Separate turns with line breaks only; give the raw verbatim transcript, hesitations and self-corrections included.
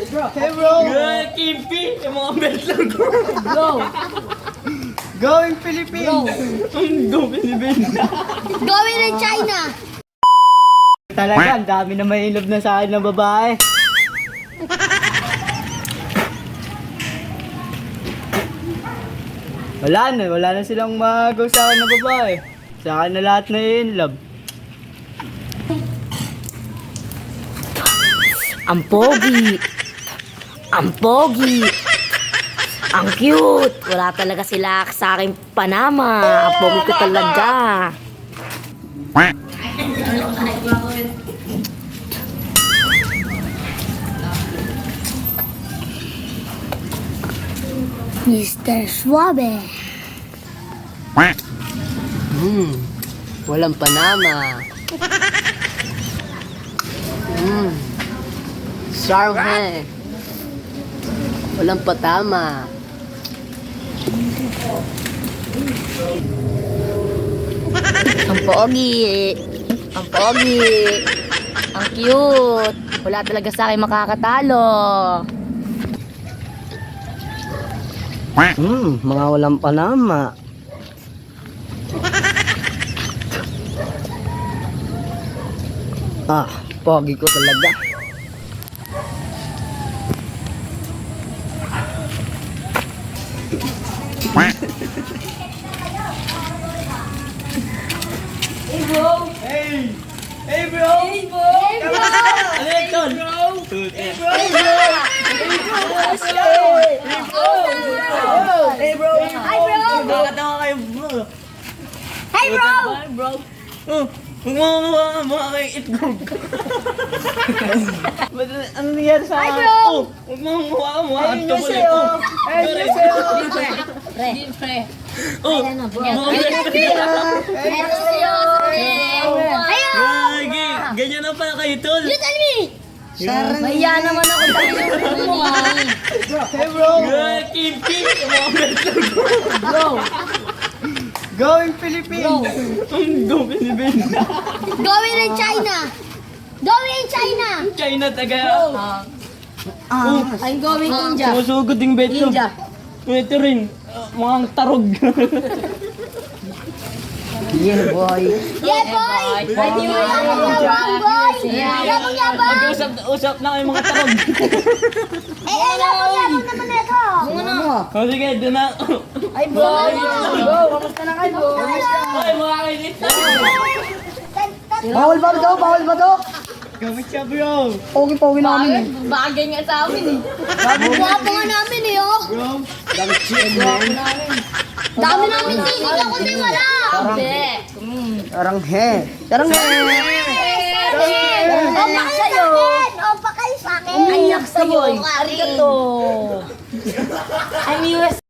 Hey bro!
Good, Kimpi! Yung mga belt lang ko.
Bro! Going Philippines!
Ang dumi ni Ben.
Going to China.
Talaga, ang dami na may love na sa akin ng babae. Wala na, wala na silang magaw sa akin ng babae. Sa akin na lahat na in love.
Ang pogi. Ang pogi. Ang cute. Wala talaga sila sa aking Panama. Ang pogi ko talaga.
mister Suave.
Hmm. Walang Panama. Hmm. Sarhe. Walang patama. Ang pogi. Ang pogi. Ang cute. Wala talaga sa akin makakatalo.
Hmm, mga walang Panama. Ah, pogi ko talaga.
Hey bro! Hey! Hey bro! Hey bro! Ano yan, Tol? Hey bro! Hey bro! Hey bro!
Hi bro.
Bakit ako kayo bro?
Hi bro.
Hi bro! Oh! Huwag mo mukha ka mukha kayong itlog. Ba't ano nangyari sa
Hi,
akin?
bro!
Oh! Huwag mo mukha ka mukha kang tubol eh. Oh!
Ayun na sa'yo!
Oh! Mga Gagi! Ganyan na pala kayo, Tol!
You tell me.
Mahiya naman ako tayo.
Hey bro!
Good, Kimpi! Yung mga belt lang ko.
Bro! Going Philippines!
Ang dumi ni Ben.
Going to China. Going to China.
China taga.
I'm going India.
Sumusugod yung bet ko.
India.
Ito rin. uh, Mukhang tarog.
Yeah boy!
Yeah boy. Yabang boy. Yabang yabang.
Mag-usap na kayo mga tarog.
Eh eh yabang yabang naman ito.
O sige, doon na.
Ay, boy! Bro, kamusta na kayo, bro?
Ay, mga kainis.
Bawal ba ito? Bawal ba ito? Gamit siya bro! Pogi-pogi namin eh.
Bagay nga sa amin eh.
Guwapo nga namin eh oh.
Bro! Gamit siya man.
Dami namin tinig ako di wala.
Hindi.
Parang he. Parang he.
O pa kayo sa akin. O pa kayo sa akin.
Ayak sa'yo. Arigato. I'm U S